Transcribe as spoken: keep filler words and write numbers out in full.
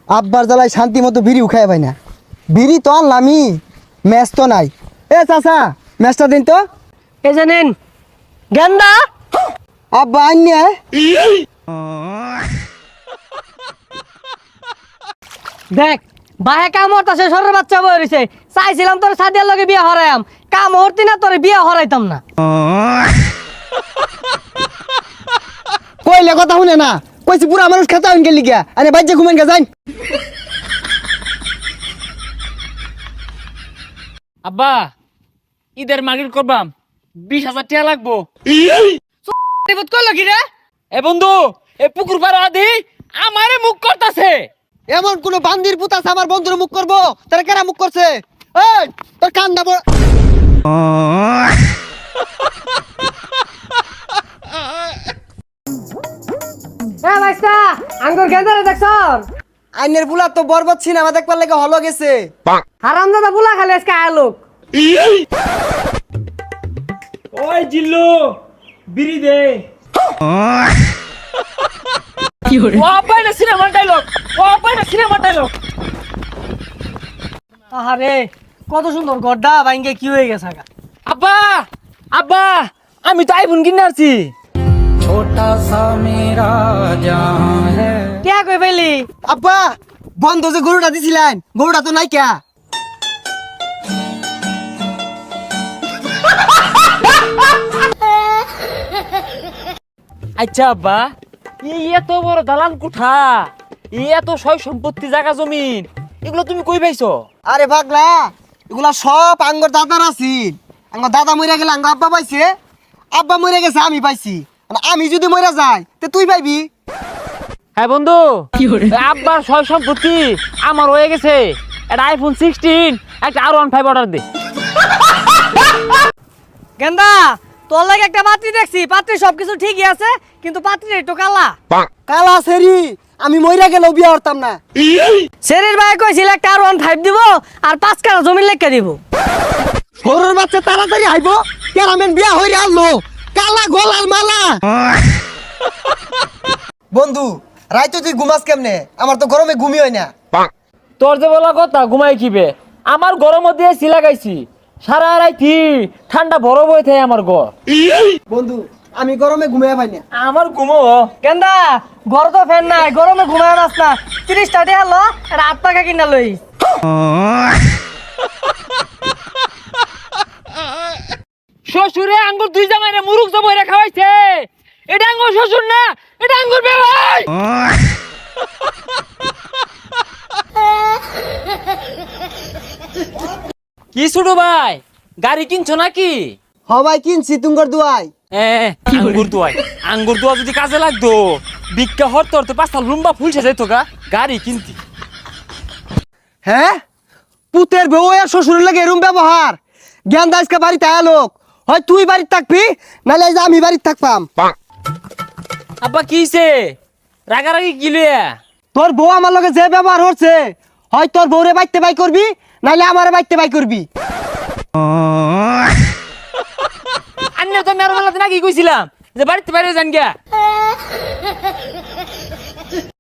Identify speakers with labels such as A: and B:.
A: আব্বার জ্বালায় শান্তি মতো বিড়ি উখায় পাই না। বিড়ি তো আনলামই, ম্যাচ তো নাই। এ চাচা ম্যাচটা দিন তো।
B: এই যে নিন গেন্দা।
A: আব্বা আইনে
B: দেখ বাহে কাম হরতাছে, সরের বাচ্চা বই রইছে। চাইছিলাম তোর সাদিয়ার লগে বিয়া হরাইম, কাম হরতি না তোর বিয়া হরাইতাম না।
A: কইলে কথা শুনে না, কইছি পুরা মানুষ খেতা হইন গেলি গিয়া। আরে বাইজে ঘুমেন গে যাইন।
C: আব্বা ঈদের মার্কেট করবাম, বিশ হাজার টাকা লাগবো।
B: কইলো কি রে?
C: এ বন্ধু, এ পুকুর পাড়া আদি আমারে মুখ করতাছে।
A: এমন কোন বান্দির পুতা আছে আমার বন্ধুর মুখ করবো? তারা কেরা মুখ করছে? এই তোর কান দাবো।
B: হ্যাঁ ভাইস্তা, আঙ্গুর গেন্দারে দেখছন?
A: আইনের বুলা তো বরবাদ সিনেমা দেখবার লাগে হলো গেছে।
B: হারামজাদা বুলা খালি আজকে আলোক।
C: ওই জিল্লু বিড়ি দে। কি হরে? ও আব্বা না সিনেমা ডায়লগ, ও আব্বা না সিনেমা ডায়লগ।
B: আহারে কত সুন্দর গড্ডা ভাঙ্গে কি হয়ে গেছে গা।
C: আব্বা আব্বা আমি তো আইফোন কিনে আসছি।
B: কে কই পেলি?
A: আব্বা বন্ধ যে গরুটা দিছিলেন, গরুটা তো নাই কে?
C: আচ্ছা আব্বা, এই এত বড় দালান কোঠা, এই এত সয় সম্পত্তি জায়গা জমিন, এগুলো তুমি কই পাইছো?
A: আরে পাগলা, এগুলা সব আঙ্গর দাদার আছিল। আঙ্গর দাদা মরে গেলে আঙ্গ আব্বা পাইছে, আব্বা মরে গেছে আমি পাইছি। মানে আমি যদি মরে যাই তে তুই পাইবি।
C: হ্যাঁ বন্ধু, আব্বার সয় সম্পত্তি আমার হয়ে গেছে। একটা আইফোন সিক্সটিন, একটা আর ওয়ান ফাইভ অর্ডার দে।
B: গেন্দা তোর লাগে একটা পাত্রী দেখছি, পাত্রী সবকিছু ঠিকই আছে, কিন্তু পাত্রী একটু কালা।
A: কালা সেরি, আমি মরে গেলেও বিয়া করতাম না।
B: শরীর ভাই কইছিল একটা আর ওয়ান ফাইভ দিব আর পাঁচ কানা জমি লেখা দিব।
A: সরুর বাচ্চা তাড়াতাড়ি আইবো, কেরামেন বিয়া হইরে আনলো, কালা গলার মালা। বন্ধু রাইতো তুই ঘুমাস কেমনে? আমার তো গরমে ঘুমি হয় না।
C: তোর যে বলা কথা ঘুমাই কিবে, আমার গরম দিয়ে সিলা গাইছি সারা রাইতি, ঠান্ডা বরফ হয়ে থাকে আমার ঘর।
A: বন্ধু আমি গরমে ঘুমিয়ে পাই না।
C: আমার ঘুমো
B: গেন্দা ঘর তো ফ্যান নাই, গরমে ঘুমায় নাস না। তিরিশ টাকা হলো একটা হাত পাখা কিনা লই।
C: শ্বশুরে আঙ্গুর দুই জামাইরে মুরুখ জবইরা খাওয়াইছে। এটা আঙ্গুর শ্বশুর না, এটা আঙ্গুর বেবাই। কি ছোট ভাই, গাড়ি কিনছো নাকি?
A: হবাই কিনছি তুঙ্গর দুয়াই।
C: হ্যাঁ আঙ্গুর দোয়াই, আঙ্গুর দোয়া যদি কাজে লাগতো, ভিক্ষা হরতে হরতে পাঁচটা লুম্বা ফুল সাজাইতো গা, গাড়ি কিনতি।
A: হ্যাঁ পুতের বউ আর শ্বশুরের লাগে এরম ব্যবহার? জ্ঞান দাসকে বাড়িতে আলোক, হয় তুই বাড়িতে থাকবি নাহলে এই যে আমি বাড়িতে থাকবাম।
C: আব্বা কিছে রাগারাগি কি লইয়া?
A: তোর বউ আমার লগে যে ব্যবহার হচ্ছে, হয় তোর বউরে বাইতে বাই করবি নাহলে আমারে বাইতে বাই করবি।
C: আন্নে তো মেরো বেলাতে নাকি কইছিলাম যে বাড়িতে বাইরে যান গিয়া।